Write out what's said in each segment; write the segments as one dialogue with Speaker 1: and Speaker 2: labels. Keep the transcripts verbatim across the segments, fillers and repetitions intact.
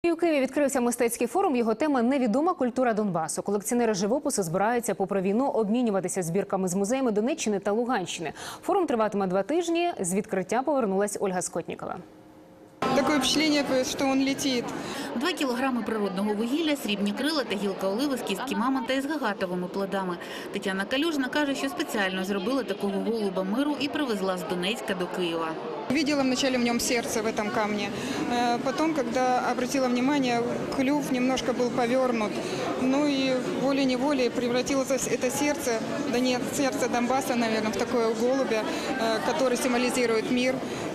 Speaker 1: У Києві відкрився мистецький форум. Його тема «Невідома культура Донбасу». Колекціонери живопису збираються попри війну обмінюватися збірками з музеями Донеччини та Луганщини. Форум триватиме два тижні. З відкриття повернулась Ольга Скотнікова.
Speaker 2: Таке впечатлення, що він летить.
Speaker 3: Два кілограми природного вугілля, срібні крила та гілка оливи з кістки мамонта із гагатовими плодами. Тетяна Калюжна каже, що спеціально зробила такого голуба миру і привезла з Донецька до Києва.
Speaker 2: Видела вначале в нем сердце в этом камне. Потом, когда обратила внимание, клюв немножко был повернут. Ну и волей-неволей превратилось это сердце, да нет, сердце Донбасса, наверное, в такое голубя, который символизирует мир,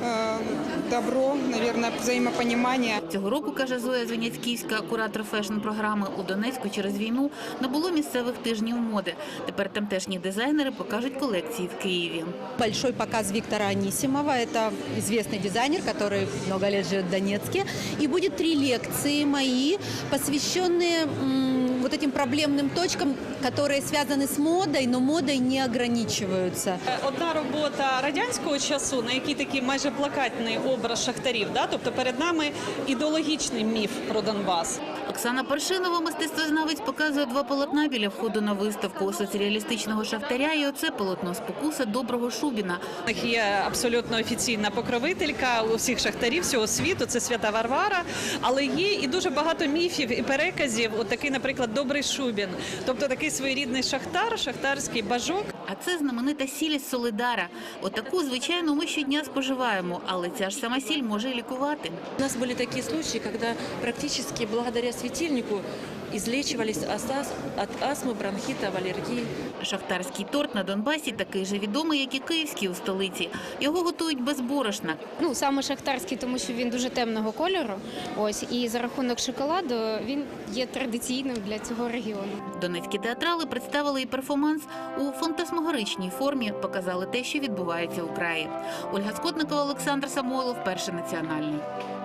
Speaker 2: добро, наверное, взаимопонимание.
Speaker 3: Цього року, каже Зоя Звеняцьківська, куратор фешн-програми, у Донецьку через війну не було місцевих тижнів моди. Тепер тамтешні дизайнери покажуть колекції в Києві.
Speaker 4: Большой показ Виктора Анисимова. Это известный дизайнер, который много лет живет в Донецке. И будет три лекции мои, посвященные м, вот этим проблемным точкам, которые связаны с модой, но модой не ограничиваются.
Speaker 5: Одна робота радянського часу, на якій такий майже плакатний образ шахтарів, да? Тобто перед нами ідеологічний міф про Донбас.
Speaker 3: Оксана Паршинова, мистецтвознавець, показує два полотна біля входу на виставку соціалістичного шахтаря і оце полотно «Спокуса доброго Шубіна».
Speaker 5: У них є абсолютно офіційна покровителька усіх шахтарів всього світу, це Свята Варвара, але є і дуже багато міфів і переказів, от такий, наприклад, Добрий Шубін, тобто такий своєрідний шахтар, шахтарський бажок.
Speaker 3: А це знаменита сіль із Солидара. Отаку, звичайно, ми щодня споживаємо, але ця ж сама сіль може і лікувати.
Speaker 6: У нас были такие случаи, когда практически благодаря светильнику излечивались от астмы, бронхита, аллергии.
Speaker 3: Шахтарський торт на Донбасі такий же відомий, як і київський у столиці. Його готують без борошна.
Speaker 7: Ну, саме шахтарський, тому що він дуже темного кольору. Ось, і за рахунок шоколаду він є традиційним для цього регіону.
Speaker 3: Донецькі театрали представили і перформанс у фантасмагоричній формі, показали те, що відбувається у краї. Ольга Скотникова, Олександр Самойлов, Перший національний.